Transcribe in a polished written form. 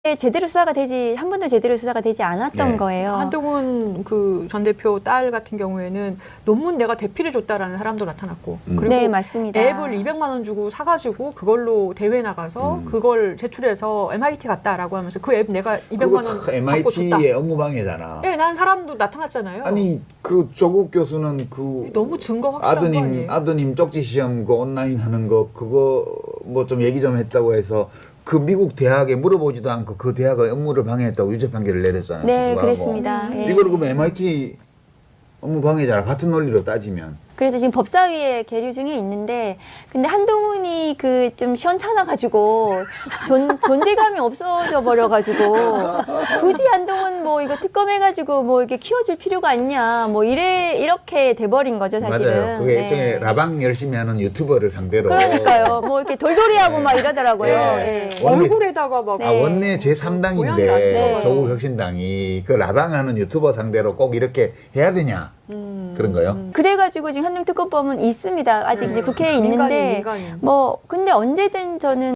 제대로 수사가 되지 한 번도 제대로 수사가 되지 않았던 네. 거예요. 한동훈 그 전 대표 딸 같은 경우에는 논문 내가 대필해 줬다라는 사람도 나타났고 그리고 네, 맞습니다. 앱을 200만 원 주고 사가지고 그걸로 대회 나가서 그걸 제출해서 MIT 갔다라고 하면서 그 앱 내가 200만 원 그거 다 받고 줬다. MIT의 업무방해잖아. 네, 난 사람도 나타났잖아요. 아니 그 조국 교수는 그 너무 증거 확실한 거 아니에요? 아드님 쪽지 시험 그 온라인 하는 거 그거 뭐 좀 얘기 좀 했다고 해서 그 미국 대학에 물어보지도 않고 그 대학의 업무를 방해했다고 유죄 판결을 내렸잖아요. 네, 교수하고. 그랬습니다. 예. 이거는 그러면 MIT 업무 방해잖아. 같은 논리로 따지면. 그래서 지금 법사위에 계류 중에 있는데, 근데 한동훈이 그 좀 시원찮아가지고 존재감이 없어져 버려가지고 굳이 한동훈 뭐 이거 특검해가지고 뭐 이렇게 키워줄 필요가 있냐 뭐 이렇게 돼버린 거죠 사실은. 맞아요. 그게 일종의 라방 열심히 하는 유튜버를 상대로. 그러니까요. 뭐 이렇게 돌돌이하고 네. 막 이러더라고요. 네. 예. 원내- 얼굴에다가 막 네. 아, 원내 제3당인데 네. 조국 혁신당이 그 라방하는 유튜버 상대로 꼭 이렇게 해야 되냐 그런 거요. 그래가지고 지금 한동특검법은 있습니다. 아직 이제 국회에 있는데 민간인. 뭐 근데 언제든 저는